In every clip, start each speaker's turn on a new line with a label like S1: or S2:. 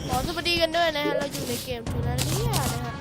S1: ขอสวัสดีกันด้วยนะฮะเราอยู่ในเกมทูนาเลียนะฮะ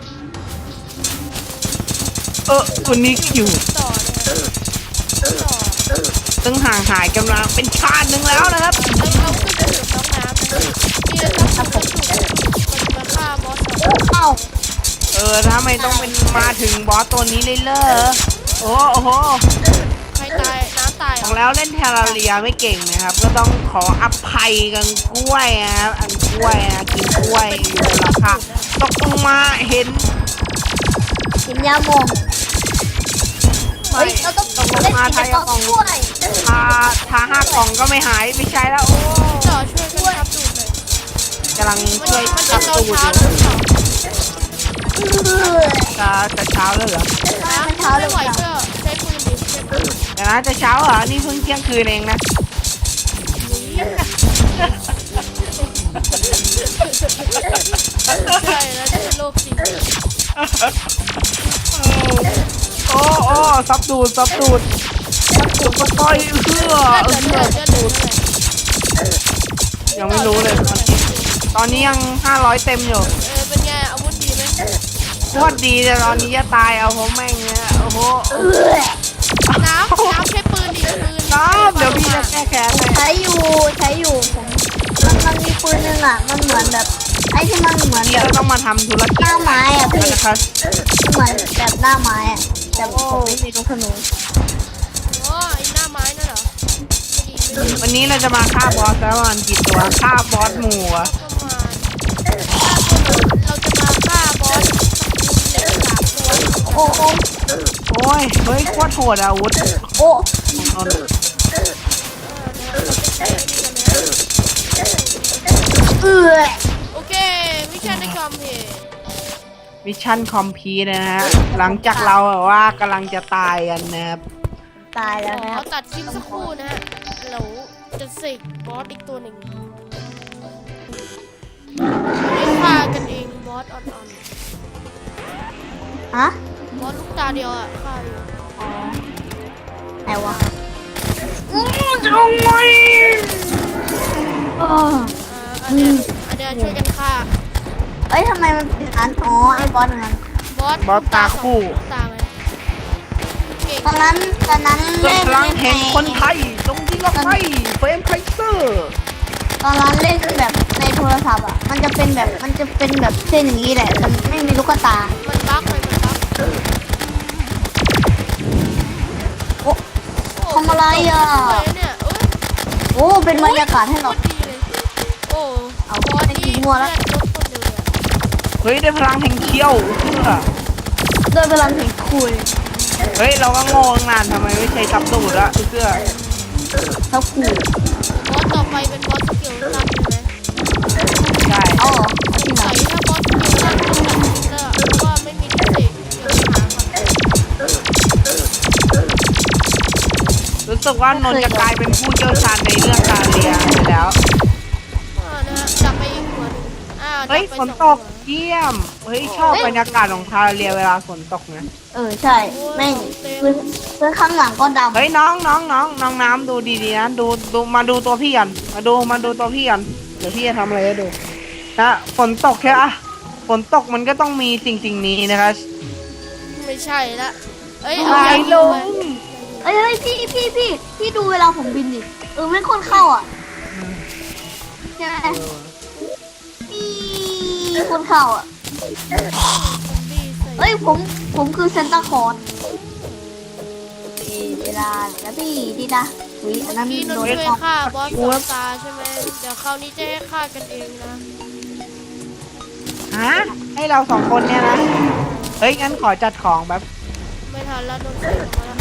S2: วันนี้ก็อยู่
S1: ต่อนะฮะต่อ
S2: ตั้งห่างหายกันมาเป็นชาติหนึ่งแล้วนะครับ
S1: เราขึ้นไปถึงน้องน้ำนะนี่นะครับผมมันมาฆ่าบอส
S3: เอ้า
S2: ถ้าไม่ต้องเป็นมาถึงบอสตัวนี้เลยโอ้โห
S1: ใครตายน้ำตาย
S2: บอกแล้วเล่นเทราเรียไม่เก่งนะครับก็ต้องขออภัยกันกล้วยนะครับอันกล้วยนะกินกล้วยอยู่ราคาตกลงมาเห็น
S3: กินยาหมองเฮ้ยเราต้อง
S2: ตกลงมาทายกล่องทา5 กล่องก็ไม่หายไม่ใช่แล้วโอ้
S1: ต่อช่วยกันทับดูหน่อย
S2: กำลังช่วยทับตูดอยู่จะเช้าแล้วเหรอ
S1: เช้าเลยไหวก็ใช้ปืนดิ
S2: เดี๋ยวนะจะเช้าเหรอนี่เพิ่งเที่ยงคืนเองนะ
S1: ใช่แล้วจะเป็นโรคจริง
S2: โอ้ซับดูดก็ต้อยดูดยังไม่รู้เลยตอนนี้ยัง500เต็มอยู่
S1: เป็นไงอาวุธดีไหม
S2: โคตรดีแต่ตอนนี้จะตายเอาผมแม่งเนี่ยโอ้โห
S1: น้ำใช้ปืนดิปืน
S2: น้ำเดี๋ยวพี่จะแก้แค้น
S3: ใช้อยู่ผมมันมีปืนนึงอ่ะมันเหมือนแบบไอ้ที่มันเหมือนแบบ
S2: ต้องมาทำธุรกิจ
S3: หน้าไม้อ่ะพี่
S2: นะครับ
S3: เหมือนแบบหน้าไม้อ่ะแต่ผมไม่มีลูกธนู
S1: ไอ้หน้าไม้นั่นเหรอ
S2: วันนี้เราจะมาฆ่าบอสแล้วมันกี่ตัวฆ่าบอสหมู่อะ
S1: เราจะมาฆ่าบอส3 ตัว
S3: โอ้
S2: ยเฮ้ยโคตรโหดอาวุธ
S3: โอ้
S1: โอเคมิชชั่นในคอมเพลต
S2: มิชชั่นคอมพีทนะฮะหลังจากเราแบบว่ากำลังจะตายกันนะครับ
S3: ตายแล้วนะ
S1: ตัดคลิปสักครู่นะฮะเราจะเสกบอสอีกตัวหนึ่งฆ่ากันเองบอสอ่อน
S3: ฮะ
S1: บอสลูกตาเดียวอ่ะฆ่าอยู่
S3: ไหนวะ
S2: ทำไม
S1: อันเนี้ยช่วยกันฆ่า
S3: เอ้ยทำไมมันเป็นอันไอ้บอสนั้น
S2: บอสตาคู่
S1: ตาไหม
S3: ตอนนั้น
S2: เล่นพลังแห่งคนไทยตรงที่ล็อกไว้เฟรมไคเซอร์
S3: ตอนนั้นเล่นแบบในโทรศัพท์อ่ะมันจะเป็นแบบเส้นอย่างนี้แหละแต่ไม่มีลูกตา
S1: มันบั๊กเลยมันบั๊ก
S3: โอ้ทำอะไรอ่ะโอ้เป็นบรรยากาศให้เรา
S1: โอ้
S3: เอาไปกินมัวแล้ว
S2: เฮ้ยได้พลังแห่งเขี้ยว
S3: ด้วยพลังแห่งคุย
S2: เฮ้ยเราก็งงนานทำไมไม่ใช่ซับตูดละเสื้อ
S3: ซับคู
S1: บอสต่อไปเป็นบอสสกิลตันใช่ไหม
S2: ใช่
S3: อ๋อ
S1: ใส่ถ้าบอสสกิลตันต้องตัดฟิลเตอร์เพราะว่าไม่มีเทคนิค
S2: รู้สึกว่านนท์จะกลายเป็นผู้เชี่ยวชาญในเรื่องการเรียนไปแล้ว
S1: นะฮะจับไปอีกหัวนึง
S2: เฮ้ยฝนตกเยี่ยมเฮ้ยชอบบรรยากาศของทาเรียเวลาฝนตกนะ
S3: ใช่แม่งพื้นข้างหลังก็ดำ
S2: เฮ้ยน้องน้ำดูดีๆนะดูมาดูตัวพี่กันมาดูตัวพี่กันเดี๋ยวพี่จะทำอะไรให้ดูนะฝนตกแค่อะฝนตกมันก็ต้องมีสิ่งนี้นะครับ
S1: ไม่ใช่ละ
S2: อะไรลง
S3: เฮ้ยพี่ดูเวลาผมบินดิไม่คนเข้าอ่ะใช่ไหมมีคนเข้าอ่ะเฮ้ยผมคือเซนต้าคอร์สดีดาแล้วพี่ดีดา
S1: อันนั้นโดนฆ่าบอสตัวตาใช่ไหมเดี๋ยวคราวนี้จะให้ฆ่ากันเองนะ
S2: ให้เรา2 คนเนี่ยนะเฮ้ยงั้นขอจัดของแบบ
S1: ไม่ทันแล้วโดนเสียมาแล้ว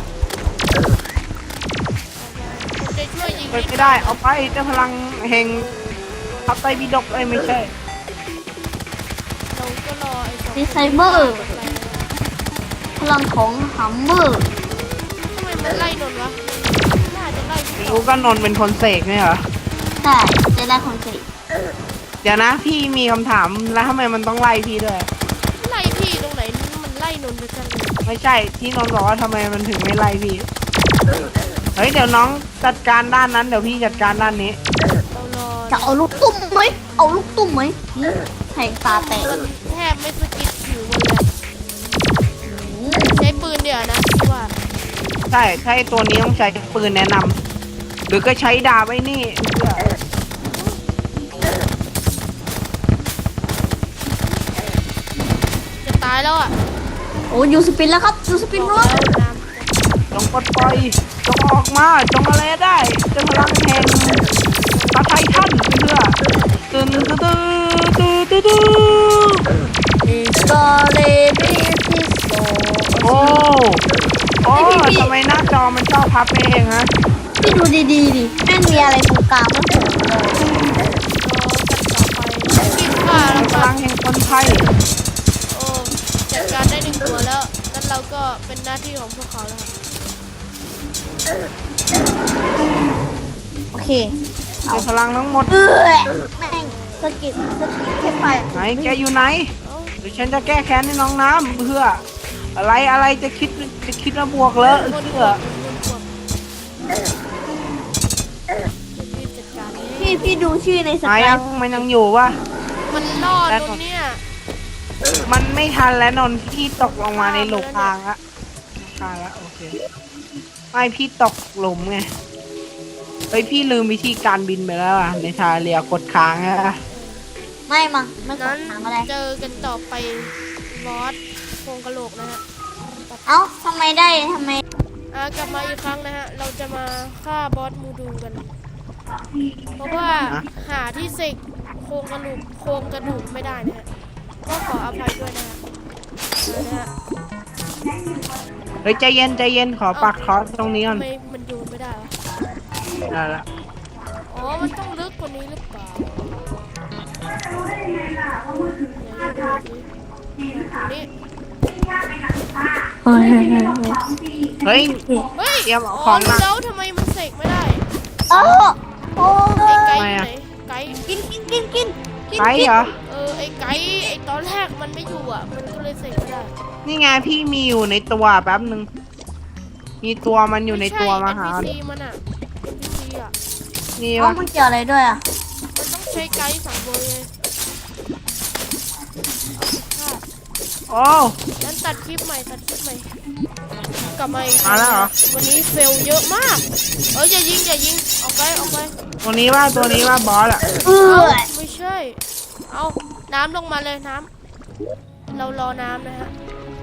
S1: ผมจะช่วยยิง
S2: ไม่ได้เอาไปเจ้าพลังแห่งทับไตบิดกไม่ใช่
S1: เราก็รอ
S3: ไอ้ไซเบอร์พลังของฮัมเมอร์
S1: ทำไมมันไล่นนวะน่าจะไล่
S2: รู้ก็นนเป็นคนเสกเนี่ยเหรอ
S3: ใช่จะได้คนเสก
S2: เดี๋ยวนะพี่มีคำถามแล้วทำไมมันต้องไล่พี่ด้วย
S1: ไล่พี่ตรงไหนมันไล่นนไปกันเลย
S2: ไม่ใช่ที่นนบอกว่าทำไมมันถึงไม่ไล่พี่เฮ้ยเดี๋ยวน้องจัดการด้านนั้นเดี๋ยวพี่จัดการด้านนี้
S1: เรารอ
S3: จะเอาลูกตุ้มไหมเอาลูกตุ้มไหมแทงตาแตก
S1: มันแทบไม่สะกิดผิวมันเลยใช้ปืนเดี๋ยวนะพี่ว่า
S2: ใช่ตัวนี้ต้องใช้ปืนแนะนำหรือก็ใช้ดาบไว้นี่เพื่อ
S1: จะตายแล้วอ่ะ
S3: โอ้ยูสปินแล้วครับยูสปินรัว
S2: จงปลดปล่อยจงออกมาจงอะไรได้จงพลังแห่งตาไททันเพื่อตื่นตื้อ
S3: อิสกอเลบิทิโซ
S2: โอ้ทำไมหน้าจอมันชอบพับไปเองฮะ
S3: พี่ดูดีๆดิแม่งมีอะไรตรงกลางไม่ถูกเลย
S1: กินข้า
S2: พ
S1: แล้วก็
S2: ลังแห่งคนไทย
S1: โอ้จัดการได้1 ตัวแล้วงั้นเราก็เป็นหน้าที่ของพวกเขาแล้วครับ
S3: โอเค
S2: ใช้พลังทั้งหมด
S3: แม่งสะกิดแค่ไป
S2: ไหนแกอยู่ไหน
S1: เอ้า
S2: เดี๋ยวฉันจะแก้แค้นให้น้องน้ำเพื่ออะไรจะคิดมาบวกเลย
S1: คน
S2: เพื่อ
S1: รีบจัดการนี่
S3: พี่ดูชื่อในส
S2: ไหน
S3: กาย
S2: มันยังอยู่วะ
S1: มันรอดตรงเนี้ย
S2: มันไม่ทันแล้วนนท์พี่ตกลงมาในหลุมพรางละพรางละโอเคไม่พี่ตกหลุมไงเฮ้ยพี่ลืมวิธีการบินไปแล้วอ่ะในทาเรียกดค้างอะ
S3: ไม่มั้งไม่ก
S1: นั้
S3: ด
S1: น
S3: ถามอะไร
S1: เจอกันต่อไปบอสโครงกะโหลกนะฮะ
S3: เอ้าทำไมได้ทำไม
S1: กลับมาอีกครั้งนะฮะ เราจะมาฆ่าบอสมูดูกัน เพราะว่าหาที่เสกโครงกระดูกไม่ได้นะฮะ ก็ขออภัยด้วยนะฮะนะฮะ
S2: เฮ้ยใจเย็นขอปักคอร์สตรงนี้ก่อน
S1: ทำไมมันโยนไม่ได้วะ
S2: ได้ละ
S1: อ๋อ มันต้องลึกกว่านี้หรือเปล่าไหนดูสิตรงนี้
S2: เฮ้ย
S1: เฮ้ย
S2: เตรียมเอา
S1: อ๋
S2: ข
S1: อ
S2: องมา
S1: แล้วทำไมมันเสกไม่ได้
S3: โอ้โอ้
S1: ไอ้ไก่
S2: ทำไม
S1: อยู่
S2: อะ
S1: ไหนไก่
S3: กินกินกินกินกิน
S2: ไกด์เหรอ
S1: ไอ้ไก่ไอ้ตอนแรกมันไม่อยู่อ่ะ มันก็เลยเสกไม่ได้
S2: นี่ไงพี่มีอยู่ในตัวแป๊บหนึ่งมีตัวมันอยู่ในตัวมาหา
S1: ไใช่ NPC มันอ่ะ NPC อ่ะ
S2: นี่
S3: เอ้าว
S2: ะ
S3: มันเกี่ยวอะไรด้วยอ่ะ
S1: มันต้องใช้ไกด์2 เบอร์เลยค่ะ
S2: โอ้
S1: งั้นตัดคลิปใหม่ กลับมาอีก
S2: มาแล้วเหรอ
S1: วันนี้เฟลเยอะมาก อย่ายิง ออกไป
S2: ตัวนี้ว่าบอสอะ
S3: เอ
S1: เอ้า
S3: อ
S1: ไม่ใช่ เอาน้ำลงมาเลยน้ำ เรารอน้ำนะฮะ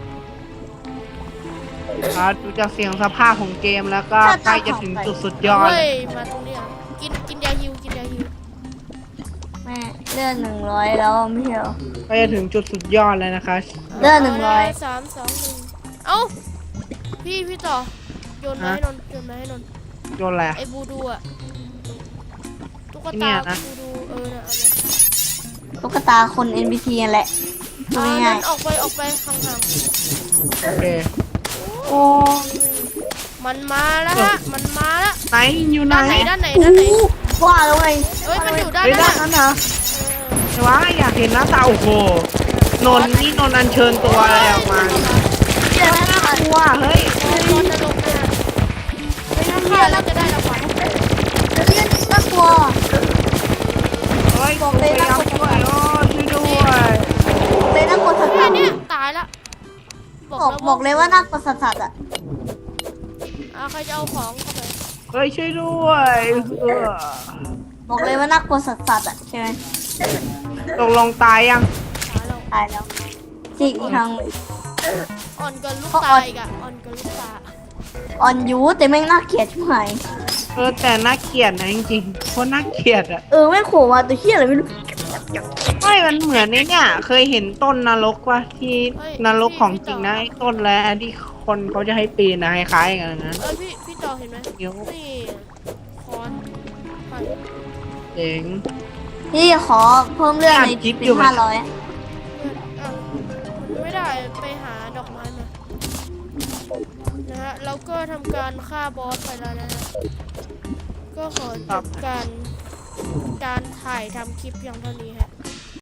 S2: ดูจากเสียงสภาพของเกมแล้วก็ใกล้จะถึงจุดสุดยอด
S1: เฮ้ย มาตรงนี้อ่ะกินยาฮิว
S3: แม่เลื่อน100แล้วไม่ใช่เหรอ
S2: ใกล้จะถึงจุดสุดยอดแล้วนะคะ
S3: เลื่อน
S1: 3 2 1 เอ้า พี่ต่อ โยนมาให้นนท์
S2: โยนแหละ
S1: ไอ้บูดูอ่ะ ตุ๊ก
S2: เนี่
S1: ตาย
S2: นะ
S1: บูดูเอาเลย
S3: 100ตุ๊กตาคน NPT นั่นแหละดู
S1: เอา
S3: ง่า
S1: นั้
S3: ย
S1: นออกไปห่าง
S2: โอเคโอ้
S1: ๆมันมาแล้วฮะ มันมาแล้ว
S2: ไหนอยู่ไหน
S1: ด้านไหน
S3: ๆว่าแล้วไง
S1: เอ้ย มันอยู่ด้าน
S2: เฮ้ย
S1: ห
S2: ด้า
S1: น้าน
S2: นั้นนะแต่ว่าอยากเห็นหน้าตาโอ้โหนนท์นี่นนท์อัญเชิญตัวอะไรออกมา
S3: เดี๋ยวนะ
S2: กลัวเฮ้ย
S1: บอลจะลงนะไม่น่าฆ่าแล้วจะได้รางวัล
S3: เรียนน่ากลัว
S2: เฮ้ยกูพยายามช่วยโอ้ช่วยด้วย
S3: เลยน่ากลัวสั
S1: แค่
S3: ส
S1: เนี้ยตายละ
S3: ๆบอกเลยว่าน่ากลัวสัสๆอ่ะ
S1: ใครจะเอาของเข้าไป
S2: เฮ้ยช่วยด้วยเออ
S3: บอกเลยว่าน่ากลัวสัสๆอ่ะใช่ไหม
S2: ตกลงตายยัง
S1: ตายแล้ว
S3: ตายแล้วจริงอีกครั้ง
S1: อ่อนเกินลูกตาอีกอ่ะอ่อนเกินลูกตา
S3: อ่อนยูแต่แม่งน่าเกลียดชิบหาย
S2: แต่น่าเกลียดนะจริงๆเพราะน่าเกลียดอะ
S3: แม่งโผล่มาตัวเหี้ยอะไรไม่รู้
S2: ไม่มันเหมือนไอ้เนี่ยเคยเห็นต้นนรกป่ะที่นรกของจริงนะไอ้ต้นแล้วที่คนเขาจะให้ปีนนะคล้ายๆกันนะ
S1: พี่ต่อเห็นไหม
S2: เดี๋ยว
S1: นี่คอนไป
S2: เจ๋ง
S3: พี่ขอเพิ่มเรื่องใน
S2: จิ๊บ
S3: เป็
S2: อยู่
S3: น
S2: ไหม
S3: 500
S1: มันไม่ได้ไปหาดอกไม้มานะฮะเราก็ทำการฆ่าบอสไปแล้วนะฮะก็ขอจบการถ่ายทำคลิปเพียงเท่านี้ฮะ